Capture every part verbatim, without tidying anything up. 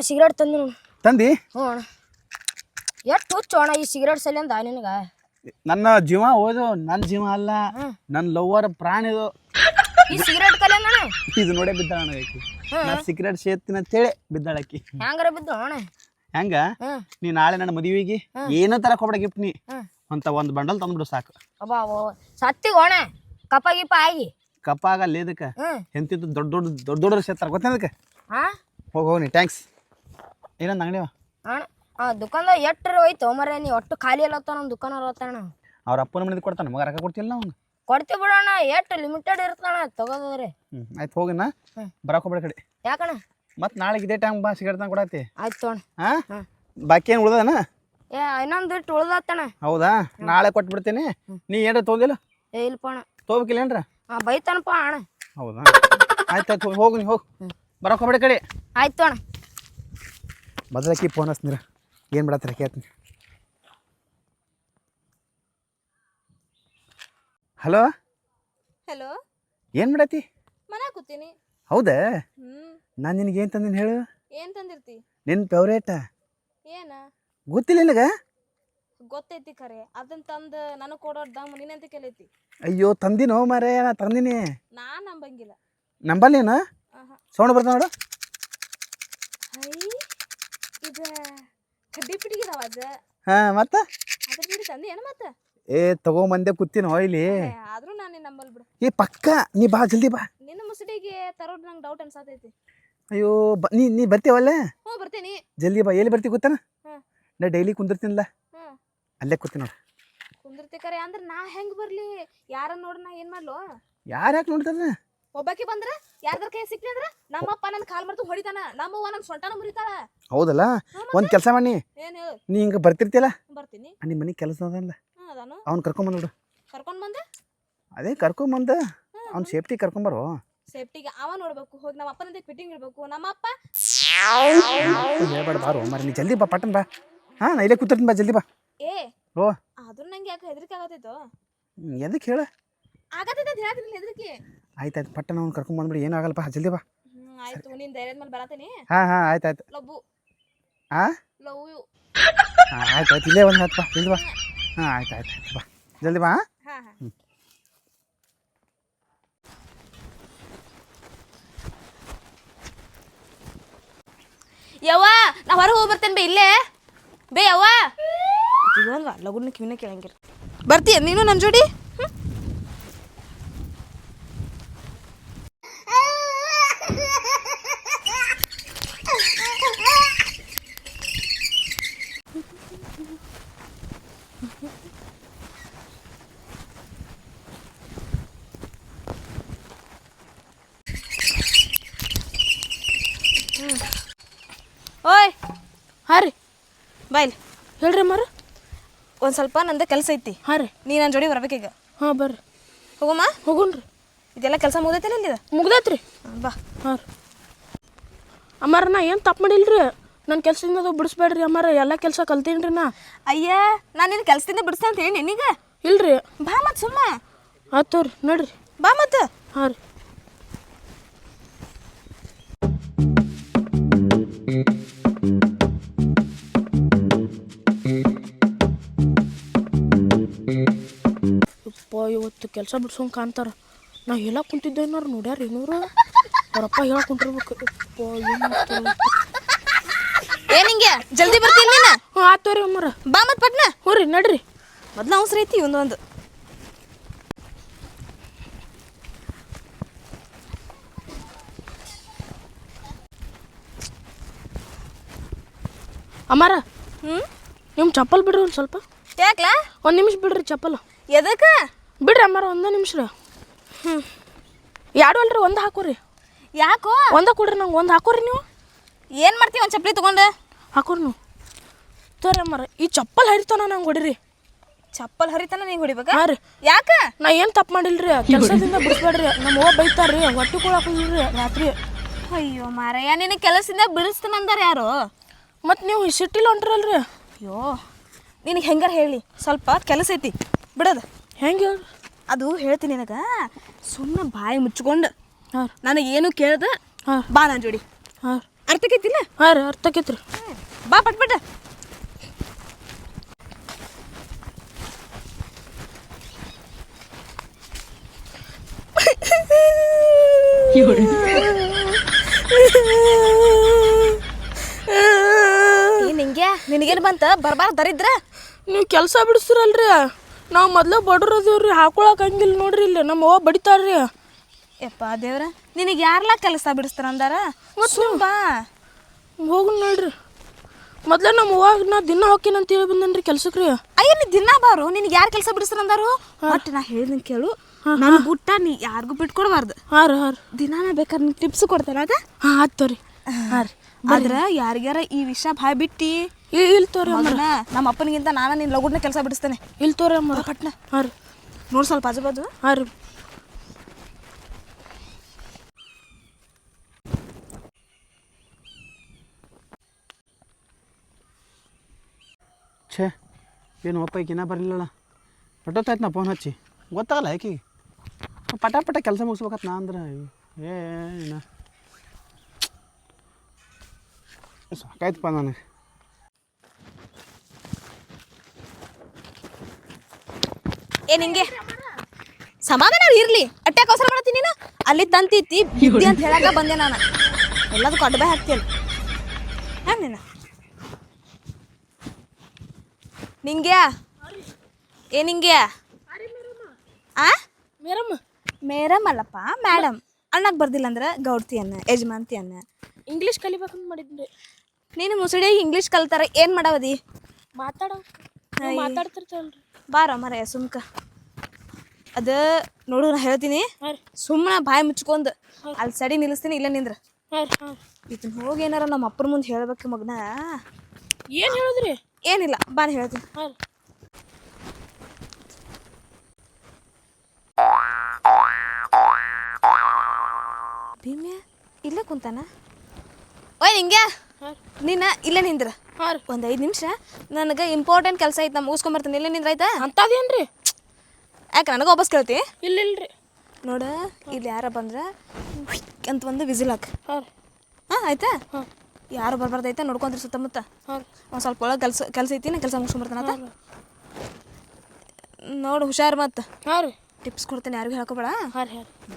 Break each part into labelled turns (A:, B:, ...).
A: Cigarette ತಂದಿ
B: ತಂದಿ
A: ಹ್ಞೂ ಅಣ್ಣ ಎಷ್ಟು ಹುಚ್ಚು ಅಣ್ಣ ಈ ಸಿಗರೇಟ್ ಸಲಿಂದ ನಿನಗೆ
B: ನನ್ನ ಜೀವ ಹೋದು ನನ್ನ ಜೀವ ಅಲ್ಲ ನನ್ನ ಲವ್ವರ್ ಪ್ರಾಣಿದು
A: ಈ ಸಿಗರೇಟ್ ಕಲಿಯಂದ
B: ಇದು ನೋಡೇ ಬಿದ್ದಾಳ ಆಕಿ ನಾ ಸಿಗರೇಟ್ ಸೇರ್ತೀನಿ ಅಂತೇಳಿ ಬಿದ್ದಾಳಕಿ
A: ಹೆಂಗಾರ ಬಿದ್ದು ಅಣ್ಣ
B: ಹೆಂಗ ನೀ ನಾಳೆ ನನ್ನ ಮದುವೆಗೆ ಏನೋ ತರಕ್ ಹೋಗ್ಬೇಡ ಗಿಫ್ಟ್ ನೀ ಅಂತ ಒಂದು ಬಂಡಲ್ ತಂದ್ಬಿಡು ಸಾಕು
A: ಅಬ್ಬಾ ಸತ್ತಿಗೆ ಅಣ್ಣ ಕಪ್ಪ ಗಿಪ್ಪ ಆಗಿ
B: ಕಪ್ಪ ಆಗಲ್ಲ ಇದಕ್ಕೆ ಎಂತಿದ್ದು ದೊಡ್ಡ ದೊಡ್ಡ ದೊಡ್ಡ ದೊಡ್ಡ ಸೇರ್ತಾರ ಗೊತ್ತೇನ ಅದಕ್ಕೆ
A: ಹಾಂ
B: ಹೋಗಿ ಹೋಗಿ ನೀ ಟ್ಯಾಂಕ್ಸ್ ಏನಂದ ಅಂಗಡಿವ
A: ಅಣ್ಣ ಹಾಂ ದುಕಾನ್ದಾಗ ಎಟ್ರ ಹೋಯ್ತು ಮರ ನೀ ಒಟ್ಟು ಖಾಲಿ ಅಲ್ಲತ್ತ ನಮ್ಮ ದುಕಾನ ಅಲ್ಲತ್ತಣ್ಣ
B: ಅವ್ರ ಅಪ್ಪನ ಮನೆದು ಕೊಡ್ತಾನೆ ಮಗ ರೊಕ್ಕ ಕೊಡ್ತಿಲ್ಲ ಅವ್ನು
A: ಕೊಡ್ತೀವಿ ಬಿಡೋಣ ಎಷ್ಟು ಲಿಮಿಟೆಡ್ ಇರ್ತಣ್ಣ ತಗೋದ್ರೆ
B: ಹ್ಞೂ ಆಯ್ತು ಹೋಗಿನ ಬರಕ್ಕೆ ಹೋಗ್ಬೇಡ ಕಡೆ
A: ಯಾಕಣ್ಣ
B: ಮತ್ತೆ ನಾಳೆಗೆ ಇದೇ ಟೈಮ್ ಬಾ ಸಿಗರೇಟ್ ತಂದು ಕೊಡತ್ತಿ
A: ಆಯ್ತು ಅಣ್ಣ
B: ಹಾಂ ಬಾಕಿ ಏನು ಉಳ್ದನ
A: ಏ ಇನ್ನೊಂದು ಇಟ್ಟು ಉಳ್ದತ್ತಣ್ಣ
B: ಹೌದಾ ನಾಳೆ ಕೊಟ್ಬಿಡ್ತೀನಿ ನೀ ಏನ್ರ ತೊಗೊಂದಿಲ್ಲ
A: ಏ ಇಲ್ಪ ಅಣ್ಣ
B: ತೊಗೋಬೇಕಿಲ್ಲ ಏನ್ರ
A: ಹಾಂ ಬೈತಾನಪ್ಪ ಅಣ್ಣ
B: ಹೌದಾ ಆಯ್ತು ಆಯ್ತು ಹೋಗಿ ನೀ ಹೋಗಿ ಬರಕ್ಕೆ ಹೋಗ್ಬೇಡ ಕಡೆ
A: ಆಯ್ತು ಅಣ್ಣ
B: ಬದಲಾಕಿ ಫೋನ್ ಹಚ್ತೀರ ಏನು ಬಿಡತ್ತೀರ ಕೇಳ್ತೀನಿ ಹಲೋ
C: ಹಲೋ
B: ಏನು ಮಾಡತ್ತಿ
C: ಮನೆ ಕೂತೀನಿ
B: ಹೌದಾ
C: ಹ್ಮ್
B: ನಾನು ನಿನಗೆ ಏನು ತಂದಿನಿ ಹೇಳು
C: ಏನ್ ತಂದಿರ್ತಿ
B: ನಿನ್ನ ಫೇವ್ರೇಟ
C: ಏನ
B: ಗೊತ್ತಿಲ್ಲ ನಿನಗೆ
C: ಗೊತ್ತೈತಿ ಖರೆ ಅದನ್ನ ತಂದ ನನಗೆ ಕೊಡೋದು ದಮ್ ನೀನಂತ ಕೇಳೈತಿ
B: ಅಯ್ಯೋ ತಂದಿನೋ ಮಾರೇ ನಾ ತಂದಿನಿ
C: ನಾ ನಂಬಂಗಿಲ್ಲ
B: ನಂಬಲ್ಲೇನು
C: ಆಹಾ
B: ಸೌಂಡ್ ಬರ್ತಾವ ನೋಡು
C: ಹೈ ಇದು ಕಡ್ಡಿ ಪಿಟಿಗಿದಾವ ಅದ
B: ಹಾಂ ಮತ್ತೆ
C: ಅದ್ರ ಬಿಡಿ ತಂದಿ ಏನು ಮತ್ತೆ
B: ಏ ತಗೊಂಬಂದೆ ಕೂತೀನೋ ಇಲ್ಲಿ
C: ಆದ್ರೂ ನಾನು ನಂಬಲ್ ಬಿಡು
B: ಏ ಪಕ್ಕ ನೀ ಬಾ ಜಲ್ದಿ ಬಾ
C: ನಿನ್ನ ಮುಸುಡಿಗೆ ತರೋದು ನಂಗೆ ಡೌಟ್ ಅನ್ಸಾತೈತಿ
B: ಅಯ್ಯೋ ಬ ನೀ ನೀ ಬರ್ತೀವಲ್ಲ
C: ಹ್ಞೂ ಬರ್ತೀನಿ
B: ಜಲ್ದಿ ಬಾ ಎಲ್ಲಿ ಬರ್ತೀವಿ ಗೊತ್ತಾನ
C: ಹಾಂ
B: ನಾ ಡೈಲಿ ಕುಂದಿರ್ತೀನಲ್ಲ
C: ಹಾಂ
B: ಅಲ್ಲೇ ಕೂತೀನಿ ನೋಡು
C: ಕುಂದಿರ್ತಿ ಖರೆ ಅಂದ್ರೆ ನಾ ಹೆಂಗೆ ಬರ್ಲಿ ಯಾರ ನೋಡಿ ನಾ ಏನು ಮಾಡ್ಲು
B: ಯಾರು ಯಾಕೆ ನೋಡ್ತಾರ
C: ಒಬ್ಬಾಕಿ ಬಂದ್ರೆ ಯಾರ್ದಾರ ಕೈ ಸಿಕ್ಲಿ ಅಂದ್ರೆ ನಮ್ಮಪ್ಪ ನನ್ನ ಕಾಲ್ ಮಾಡ್ತು ಹೊಡಿತಾನ ನಮ್ಮವ್ವ ನನ್ನ ಸೊಂಟನ ಮುರಿತಾಳ
B: ಹೌದಲ್ಲ ಒಂದು ಕೆಲಸ ಮಾಡಿ
C: ಏನು ಹೇಳು
B: ನೀ ಹಿಂಗೆ ಬರ್ತಿರ್ತಿಯಲ್ಲ
C: ಬರ್ತೀನಿ
B: ನಿಮ್ಮ ಮನೆ ಕೆಲಸ ಅದಲ್ಲ
C: ಹಾಂ ಅದಾನು
B: ಅವ್ನು ಕರ್ಕೊಂಬಂದ್ಬಿಡು
C: ಕರ್ಕೊಂಡು ಬಂದೆ
B: ಅದೇ ಕರ್ಕೊಂಬಂದ ಅವ್ನು ಸೇಫ್ಟಿ ಕರ್ಕೊಂಬರೋ
C: ಸೇಫ್ಟಿಗೆ ಅವ ನೋಡ್ಬೇಕು ಹೋಗಿ ನಮ್ಮ ಅಪ್ಪನಂತೆ ಫಿಟ್ಟಿಂಗ್ ಇಡ್ಬೇಕು ನಮ್ಮಪ್ಪ
B: ಹೇಳ್ಬೇಡ ಬಾರೋ ಮರ ನೀ ಜಲ್ದಿ ಬಾ ಪಟ್ಟನ್ ಬಾ ಹಾಂ ನಾ ಇಲ್ಲೇ ಕೂತಿರ್ತೀನಿ ಬಾ ಜಲ್ದಿ ಬಾ
C: ಏ
B: ಓ
C: ಆದ್ರೂ ನಂಗೆ ಯಾಕೆ ಹೆದರಿಕೆ ಆಗತ್ತೈತೋ
B: ಎದಕ್ಕೆ ಹೇಳ
C: ಆಗತ್ತೈತೆ ಅಂತ ಹೇಳ್ತೀನಿ ಹೆದರಿಕೆ
B: ಆಯ್ತು ಆಯ್ತು ಪಟ್ಟನ ಅವ್ನು ಕರ್ಕೊಂಬಂದ್ಬಿಡಿ ಏನೂ ಆಗಲ್ಲಪ್ಪ ಜಲ್ದಿ ಬಾ
C: ಹ್ಞೂ ಆಯ್ತು ನಿನ್ನ ಧೈರ್ಯದ ಮೇಲೆ ಬರತ್ತೀನಿ
B: ಹಾಂ ಹಾಂ ಆಯ್ತು ಆಯ್ತು
C: ಲವ್ವು
B: ಹಾಂ
C: ಲವ್ ಯು
B: ಹಾಂ ಆಯ್ತು ಆಯ್ತು ಇಲ್ಲೇ ಒಂದು ಹತ್ತು ಬಾ ಜಲ್ದಿ ಬಾ ಹಾಂ ಆಯ್ತು ಆಯ್ತು ಆಯ್ತು ಬಾ ಜಲ್ದಿ ಬಾ
C: ಹಾಂ ಹಾಂ
B: ಹ್ಞೂ
C: ಯವ್ವ ನಾ ಹೊರಗೆ ಹೋಗಿ ಬರ್ತೇನೆ ಬೇ ಇಲ್ಲೇ ಬೇ ಯವ್ವ ಇದೊಂದು ಲಗುನ ಕಿವಿನ ಕೇಳಂಗಿರ ಬರ್ತೀಯ ನೀನು ನನ್ನ ಜೋಡಿ ಓಯ್ ಹಾಂ ರೀ ಬಾಯ್ಲಿ
A: ಹೇಳ್ರಿ ಅಮ್ಮಾರ
C: ಒಂದು ಸ್ವಲ್ಪ ನಂದು ಕೆಲಸ ಐತಿ
A: ಹಾಂ ರೀ
C: ನೀ ನನ್ನ ಜೋಡಿ ಬರ್ಬೇಕೀಗ
A: ಹಾಂ ಬರ್ರಿ
C: ಹೋಗಮ್ಮ
A: ಹೋಗುಣ್ರಿ
C: ಇದೆಲ್ಲ ಕೆಲಸ ಮುಗ್ದೈತೆ ಇಲ್ಲಿದ
A: ಮುಗ್ದೈತ್ರಿ
C: ಬಾ
A: ಹಾಂ ರೀ ಅಮ್ಮಾರ ನಾ ಏನು ತಪ್ಪು ಮಾಡಿಲ್ರಿ ನನ್ನ ಕೆಲಸದಿಂದ ಅದು ಬಿಡಿಸ್ಬೇಡ್ರಿ ಅಮ್ಮಾರ ಎಲ್ಲ ಕೆಲಸ ಕಲ್ತೀನಿ ರೀ ನಾ
C: ಅಯ್ಯ ನಾನು ನಿನ್ನ ಕೆಲಸದಿಂದ ಬಿಡಿಸ್ತೇನೆ ಅಂತ ಹೇಳಿ ನಿನಗ
A: ಇಲ್ರಿ
C: ಬಾ ಮತ್ತೆ ಸುಮ್ಮ
A: ಆಯ್ತು ರೀ ನೋಡ್ರಿ
C: ಬಾ ಮತ್ತೆ
A: ಹಾಂ ರೀ ಯಪ್ಪ ಇವತ್ತು ಕೆಲಸ ಬಿಡ್ಸೋಂಗೆ ಕಾಣ್ತಾರ ನಾ ಹೇಳಕ್ ಕುಂತಿದ್ದೆ ಏನಾರು ನೋಡ್ಯಾರ ಏನೂರು ಅವರಪ್ಪ ಹೇಳಕ್ ಕುಂಟಿರ್ಬೇಕು ಯಪ್ಪ ಏನು
C: ಏ ನಿಂಗೆ ಜಲ್ದಿ ಬರ್ತೀನಿ ನೀನು
A: ಹ್ಞೂ ಆಯ್ತು ರೀ ಅಮ್ಮಾರ
C: ಬಾ ಮತ್ತೆ ಪಟ್ನ
A: ಹ್ಞೂ ರೀ ನಡ್ರಿ
C: ಮೊದ್ಲು ಅವಸರ ಐತಿ ಒಂದೊಂದು
A: ಅಮ್ಮಾರ
C: ಹ್ಞೂ
A: ನಿಮ್ಮ ಚಪ್ಪಲ್ ಬಿಡ್ರಿ ಒಂದು ಸ್ವಲ್ಪ
C: ಯಾಕ್ಲಾ
A: ಒಂದು ನಿಮಿಷ ಬಿಡ್ರಿ ಚಪ್ಪಲ್
C: ಎದಕ್ಕೆ
A: ಬಿಡ್ರಿ ಅಮ್ಮಾರ ಒಂದೇ ನಿಮಿಷ ರೀ ಹ್ಞೂ ಎರಡು ಅಲ್ರಿ ಒಂದು ಹಾಕೋರಿ
C: ಯಾಕೋ
A: ಒಂದೇ ಕೊಡ್ರಿ ನಂಗೆ ಒಂದು ಹಾಕೋರಿ ನೀವು
C: ಏನು ಮಾಡ್ತೀವಿ ಒಂದು ಚಪ್ಪಲಿ ತೊಗೊಂಡು
A: ಹಾಕೋರಿ ನೀವು ತೋರಿ ಅಮ್ಮಾರ ಈ ಚಪ್ಪಲ್ ಹರಿತಾನ ನಂಗೆ ಹೊಡಿರಿ
C: ಚಪ್ಪಲ್ ಹರಿತಾನ ನೀ ಹೊಡಿಬೇಕಾ
A: ಹಾಂ ರೀ
C: ಯಾಕ
A: ನಾ ಏನು ತಪ್ಪು ಮಾಡಿಲ್ರಿ ಕೆಲಸದಿಂದ ಬಿಡಿಸ್ಬೇಡ್ರಿ ನಮ್ಮ ಅವ್ವ ಬೈತಾರ್ರಿ ಹೊಟ್ಟೆ ಕೊಡಾಕಿಲ್ರಿ ರಾತ್ರಿ
C: ಅಯ್ಯೋ ಮಾರಯ್ಯ ನಿನ್ನ ಕೆಲಸದಿಂದ ಬಿಡಿಸ್ತಾನಂದಾರ ಯಾರು
A: ಮತ್ತು ನೀವು ಸಿಟ್ಟಿಲ್ಲ ಹೊಂಟ್ರಲ್ರಿ
C: ಅಯ್ಯೋ ನಿನಗೆ ಹೆಂಗಾರ ಹೇಳಿ ಸ್ವಲ್ಪ ಕೆಲಸ ಐತಿ ಬಿಡೋದು
A: ಹೆಂಗೆ ಹೇಳ್ರಿ
C: ಅದು ಹೇಳ್ತೀನಿ ನಿನಗೆ ಸುಮ್ಮನೆ ಬಾಯಿ ಮುಚ್ಕೊಂಡು
A: ಹಾಂ
C: ನನಗೇನು ಕೇಳ್ದೆ
A: ಹಾಂ
C: ಬಾ ನನ್ನ ಜೋಡಿ
A: ಹಾಂ
C: ಅರ್ಥಕೈತಿಲ್ಲ
A: ಹಾಂ ರೀ ಅರ್ಥ ಆಕೈತ್ರಿ
C: ಬಾ ಪಟ್ ಪಟ್ ಏನ್ ಹಿಂಗೆ ನಿನಗೇನು ಬಂತ ಬರ್ಬಾರ ದರಿದ್ರ
A: ನೀವು ಕೆಲಸ ಬಿಡಿಸ್ತಿರಲ್ರಿ ನಾವು ಮೊದ್ಲು ಬಡ್ರು ಅದೀವ್ರಿ ಹಾಕೊಳಕ್ ಹಂಗಿಲ್ಲ ನೋಡ್ರಿ ಇಲ್ಲಿ ನಮ್ಮ ಅವ್ವ ಬಡಿತಾರ್ರಿ
C: ಯಪ್ಪ ದೇವ್ರ ನಿನಗೆ ಯಾರ್ಲಾ ಕೆಲಸ ಬಿಡಿಸ್ತಾರ ಅಂದಾರ ಸುಮ್ ಬಾ
A: ಹೋಗಿ ನೋಡ್ರಿ ಮೊದ್ಲ ನಮ್ಮ ಅವ್ವಾಗ ನಾ ದಿನ ಹೋಗ್ತೀನಿ ಅಂತ ಹೇಳಿ ಬಂದನ್ರಿ ಕೆಲ್ಸಕ್ಕೆ ರೀ
C: ಅಯ್ಯ ನೀ ದಿನ ಬಾರು ನಿನಗೆ ಯಾರು ಕೆಲಸ ಬಿಡಿಸ್ತಾರ ಅಂದಾರು ಒಟ್ಟು ನಾ ಹೇಳಿದಂಗೆ ಕೇಳು ನನ್ನ ಗುಟ್ಟ ನೀ ಯಾರಿಗೂ ಬಿಟ್ಕೊಡ್ಬಾರ್ದು
A: ಹಾಂ ರೀ ಹಾಂ ರೀ
C: ದಿನ ನಾ ಬೇಕಾದ್ರೆ ನಿಂಗೆ ಟಿಪ್ಸ್ ಕೊಡ್ತೇನೆ ಅದ
A: ಹಾಂ ಆಯ್ತು ರೀ ಹಾಂ ರೀ
C: ಆದ್ರೆ ಯಾರಿಗಾರ ಈ ವಿಷಯ ಬಾಯ್ ಬಿಟ್ಟು
A: ಇಲ್ಲಿ ತೋರಿ
C: ಮಗನ ನಮ್ಮ ಅಪ್ಪನಿಗಿಂತ ನಾನು ನಿನ್ನ ಲಗುಡ್ನ ಕೆಲಸ ಬಿಡಿಸ್ತೇನೆ
A: ಇಲ್ಲಿ ತೋರಿ ಅಮ್ಮ
C: ಪಟ್ನ
A: ಹಾಂ ರೀ
C: ನೋಡಿ ಸ್ವಲ್ಪ ಆಜು ಬಾಜು
A: ಹಾಂ ರೀ
B: ಛೇ ಏನು ಒಪ್ಪ ಈಗಿನ ಬರಲಿಲ್ಲಲ್ಲ ಹೊಟ್ಟೊತ್ತಾಯ್ತು ನಾ ಫೋನ್ ಹಚ್ಚಿ ಗೊತ್ತಾಗಲ್ಲ ಆಕಿಗೆ ಪಟ ಪಟ ಕೆಲಸ ಮುಗಿಸ್ಬೇಕತ್ ನಾ ಅಂದ್ರೆ ಏನ ಸಾಕಾಯ್ತಪ್ಪ ನನಗೆ
C: ಏನ್ ಹಿಂಗೆ ಸಮಾಧಾನ ಇರ್ಲಿ ಅಟ್ಯಾಕ್ ಅವಸರ ಮಾಡತ್ತೀನಿ ನೀನು ಅಲ್ಲಿ ತಂತಿತ್ತಿ ಬಿದ್ದಿ ಅಂತ ಹೇಳಾಕ ಬಂದೆ ನಾನು ಎಲ್ಲದಕ್ಕೂ ಅಡ್ಬಾಯ್ ಹಾಕ್ತೀನಿ ಹ್ಯಾಂಗ ನೀನು ನಿಂಗ್ಯಾ ಏನ್ ಹಿಂಗ್ಯಾ ಆ
A: ಮೇರಮ್ಮ
C: ಮೇಡಮ್ ಅಲ್ಲಪ್ಪ ಮೇಡಮ್ ಅಣ್ಣಕ್ಕೆ ಬರ್ದಿಲ್ಲ ಅಂದ್ರೆ ಗೌಡ್ತಿ ಅನ್ನ ಯಜಮಾನ್ತಿ ಅನ್ನ
A: ಇಂಗ್ಲೀಷ್ ಕಲಿಬೇಕಂತ ಮಾಡಿದ್ರಿ
C: ನೀನು ಮುಸುಡಿಯಾಗಿ ಇಂಗ್ಲೀಷ್ ಕಲ್ತಾರ ಏನು ಮಾಡವದಿ
A: ಮಾತಾಡೋ ಮಾತಾಡ್ತಿರ್ತಲ್ರಿ
C: ಬಾರ ಮರ ಸುಮ್ಕ ಅದು ನೋಡು ನಾ ಹೇಳ್ತೀನಿ
A: ಹಾಂ ರೀ
C: ಸುಮ್ಮನೆ ಬಾಯಿ ಮುಚ್ಕೊಂಡು ಅಲ್ಲಿ ಸಡಿ ನಿಲ್ಲಿಸ್ತೀನಿ ಇಲ್ಲ ನಿಂದ್ರ
A: ಹಾಂ ರೀ ಹಾಂ
C: ಇದನ್ನ ಹೋಗಿ ಏನಾರ ನಮ್ಮ ಅಪ್ಪರ ಮುಂದೆ ಹೇಳ್ಬೇಕು ಮಗನ
A: ಏನು ಹೇಳಿದ್ರಿ
C: ಏನಿಲ್ಲ ಬಾನ್ ಹೇಳ್ತೀನಿ
A: ಹಾಂ ರೀ
C: ಭೀಮ್ಯ ಇಲ್ಲೇ ಕುಂತಾನ ಓಯ್ ನಿಂಗೆ
A: ಹಾಂ
C: ನೀನು ಇಲ್ಲೇ ನಿಂದ್ರ
A: ಹಾಂ ರೀ
C: ಒಂದು ಐದು ನಿಮಿಷ ನನಗೆ ಇಂಪಾರ್ಟೆಂಟ್ ಕೆಲಸ ಐತೆ ನಾ ಮುಗಿಸ್ಕೊಂಬರ್ತೀನಿ ಇಲ್ಲೇ ನಿಂದ್ರ ಆಯ್ತಾ
A: ಅಂಥದ್ದೇನು ರೀ
C: ಯಾಕೆ ನನಗೆ ವಾಪಸ್ ಕೇಳ್ತಿ
A: ಇಲ್ಲ ಇಲ್ರಿ
C: ನೋಡ ಇಲ್ಲಿ ಯಾರ ಬಂದ್ರೆ ಅಂತ ಒಂದು ವಿಸಿಲ್ ಹಾಕ
A: ಹಾಂ ರೀ
C: ಹಾಂ ಆಯ್ತಾ
A: ಹಾಂ
C: ಯಾರು ಬರ್ಬಾರ್ದೈತೆ ನೋಡ್ಕೊಂಡ್ರಿ ಸುತ್ತಮುತ್ತ
A: ಹಾಂ
C: ಒಂದು ಸ್ವಲ್ಪ ಒಳಗೆ ಕೆಲಸ ಕೆಲಸ ಐತಿ ನಾ ಕೆಲಸ ಮುಗಿಸ್ಕೊಂಬರ್ತಾನ ಆತ ನೋಡು ಹುಷಾರು ಮತ್ತು
A: ಹಾಂ ರೀ
C: ಟಿಪ್ಸ್ ಕೊಡ್ತೇನೆ ಯಾರಿಗೂ ಹೇಳ್ಕೊಬೇಡ
A: ಹಾಂ ರೀ ಹಾಂ ರೀ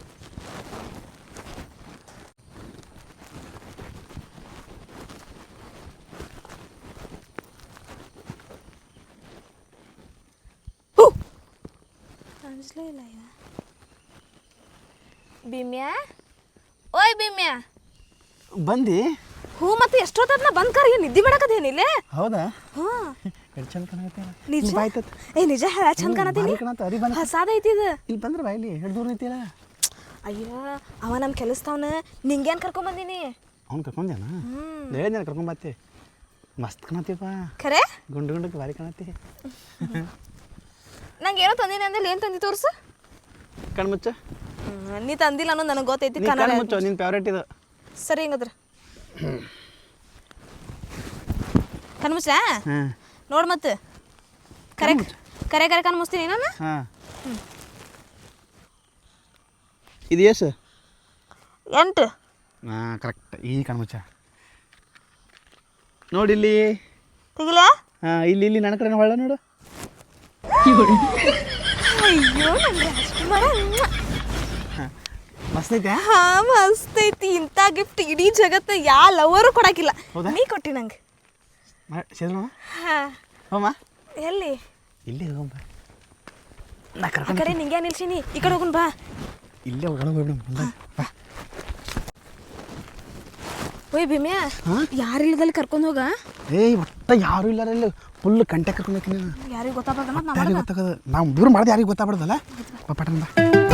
C: ಕಾಣಿಸ್ಲೇ ಇಲ್ಲ ಇವ ಭೀಮ್ಯ ಓಯ್ ಭೀಮ್ಯ
B: ಬಂದು
C: ಹ್ಞೂ ಮತ್ತೆ ಎಷ್ಟೊತ್ತದ ಬಂದ್ ಕರ್ ಏನು ನಿದ್ದೆ ಬೇಡಕದೇನಿಲ್ಲ
B: ಹೌದಾ
C: ಹಾಂ
B: ಎಷ್ಟು ಚಂದ ಕಾಣತ್ತೆ
C: ನಿಜ
B: ಬಾಯ್ತತ್
C: ಏ ನಿಜ ಹೇಳ ಚಂದ ಕಾಣತೀನಿ
B: ಕಾಣತ್ತ ಅರಿ ಬಂದ
C: ಹೊಸಾದ ಐತಿ ಇದು
B: ಇಲ್ಲಿ ಬಂದ್ರೆ ಬಾಯ್ಲಿ ಎಷ್ಟು ದೂರ ಐತಿಲ್ಲ
C: ಅಯ್ಯ ಅವ ನಮ್ಮ ಕೆಲಸದವನ ನಿಂಗೇನು ಕರ್ಕೊಂಬಂದಿನಿ
B: ಅವ್ನು ಕರ್ಕೊಂಡ್ಯಾನ ಹೇಳಿದ್ಯಾನ ಕರ್ಕೊಂಬತ್ತೆ ಮಸ್ತ್ ಕಾಣತ್ತೀಪ್ಪ
C: ಖರೆ
B: ಗುಂಡು ಗುಂಡಕ್ಕೆ ಭಾರಿ ಕಾಣತ್ತಿ
C: ನಂಗೆ ಏನೋ ತಂದಿನಿ ಅಂದ್ರೆ ಏನು ತಂದಿ ತೋರ್ಸು
B: ಕಣ್ಮುಚ್ಚ
C: ನೀ ತಂದಿಲ್ಲ ಅನ್ನೋದು ನನಗೆ ಗೊತ್ತೈತಿ
B: ನೀ
C: ಕನ್ನಡ
B: ಕಣ್ಮುಚ್ಚು ನಿನ್ನ ಫೇವ್ರೇಟ್ ಇದು
C: ಸರಿ ಹಿಂಗದ್ರ ಕಣ್ಮುಚ್ಚ
B: ಹಾಂ
C: ನೋಡು ಮತ್ತೆ ಕರೆ ಕರೆ ಕರೆ ಕಣ್ಮುಚ್ತೀನಿ ನಾನು
B: ಹಾಂ ಇದು ಎಷ್ಟು
C: ಎಂಟು
B: ಹಾಂ ಕರೆಕ್ಟ್ ಈ ಕಣ್ಮುಚ್ಚ ನೋಡಿ ಇಲ್ಲಿ
C: ತೆಗಿಲ
B: ಹಾಂ ಇಲ್ಲಿ ಇಲ್ಲಿ ನನ್ನ ಕಡೆ ಹೊಳ್ಳ ನೋಡು
C: ಅಯ್ಯೋ ನಂಗೆ ಅಷ್ಟು ಮಾಡ
B: ಮಸ್ತ್ ಐತೆ
C: ಹಾ ಮಸ್ತ್ ಐತಿ ಇಂಥ ಗಿಫ್ಟ್ ಇಡೀ ಜಗತ್ತು ಯಾವ ಲವರು ಕೊಡಾಕಿಲ್ಲ
B: ಹೌದಾ?
C: ನೀ ಕೊಟ್ಟಿ ನಂಗೆ
B: ಸೇರೋಣ
C: ಹಾ
B: ಹೋಮ
C: ಎಲ್ಲಿ
B: ಇಲ್ಲೇ ಹೋಗಮ್ಮ ನಾ
C: ಆ
B: ಕರ್ಕೊಂಡು
C: ಕಡೆ ನಿಂಗೆ ನಿಲ್ಸಿನಿ ಈ ಕಡೆ ಹೋಗುನ್ ಬಾ
B: ಇಲ್ಲೇ ಒಳಗೆ ಹೋಗ್ಬಿಡು ಮುಂದೆ ಬಾ
C: ಓಯ್ ಭೀಮ್ಯ
B: ಹಾಂ
C: ಯಾರಿಲ್ಲದಲ್ಲಿ ಕರ್ಕೊಂಡು ಹೋಗ
B: ಏಯ್ ಒಟ್ಟ ಯಾರು ಇಲ್ಲ ಇಲ್ಲಿ ಫುಲ್ ಕಂಟೆ ಕರ್ಕೊಂಡು ಹೋಗ್ತೀನಿ
C: ಯಾರಿಗೆ ಗೊತ್ತಾಗ್ಬಾರ್ದು ಮತ್ತೆ
B: ಯಾರಿಗೆ ಗೊತ್ತಾಗೋದು ನಾವು ದೂರ ಮಾಡಿದೆ ಯಾರಿಗೆ ಗೊತ್ತಾಗ್ಬಾರ್ದಲ್ಲ ಪಟ್ಟಣ ಬಾ